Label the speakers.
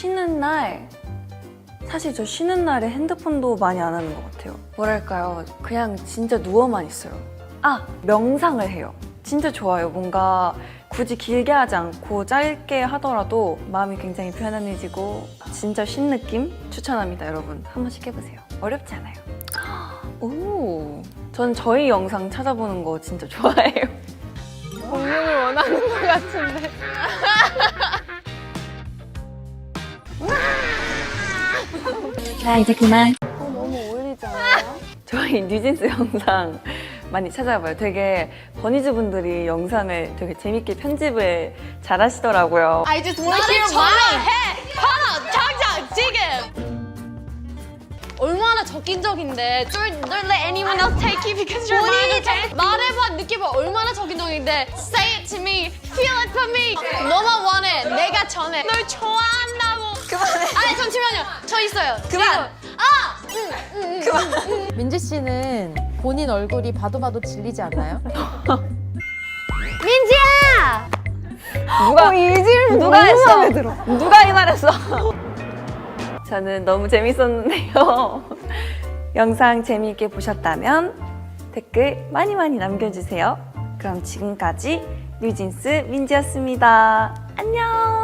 Speaker 1: 쉬는 날, 사실 저 쉬는 날에 핸드폰도 많이 안 하는 것 같아요. 뭐랄까요, 그냥 진짜 누워만 있어요. 명상을 해요. 진짜 좋아요. 뭔가 굳이 길게 하지 않고 짧게 하더라도 마음이 굉장히 편안해지고 진짜 쉰 느낌 추천합니다. 여러분 한 번씩 해보세요. 어렵지 않아요. 오, 전 저희 영상 찾아보는 거 진짜 좋아해요.
Speaker 2: 공룡을 원하는 것 같은데.
Speaker 1: 자, 이제 그만.
Speaker 2: 너무 어울리지 않아요?
Speaker 1: 저희 뉴진스 영상 많이 찾아봐요. 되게 버니즈 분들이 영상을 되게 재밌게 편집을 잘 하시더라고요.
Speaker 2: I just want to hear mine. 하나, 당장, 지금. 얼마나 적인적인데. Don't let anyone else take you because you're mine. 말해봐, 느껴봐. 얼마나 적인적인데. Say it to me. Feel it for me. 너만 원해. 내가 전해. 널 좋아한다고.
Speaker 1: 그만해.
Speaker 2: 아니, 잠시만요. 저 있어요.
Speaker 1: 그만.
Speaker 2: 그만.
Speaker 3: 민지 씨는 본인 얼굴이 봐도 질리지 않나요?
Speaker 2: 민지야!
Speaker 1: 누가 누가 했어? 누가 이 말했어? 저는 너무 재밌었는데요. 영상 재미있게 보셨다면 댓글 많이 남겨주세요. 그럼 지금까지 뉴진스 민지였습니다. 안녕.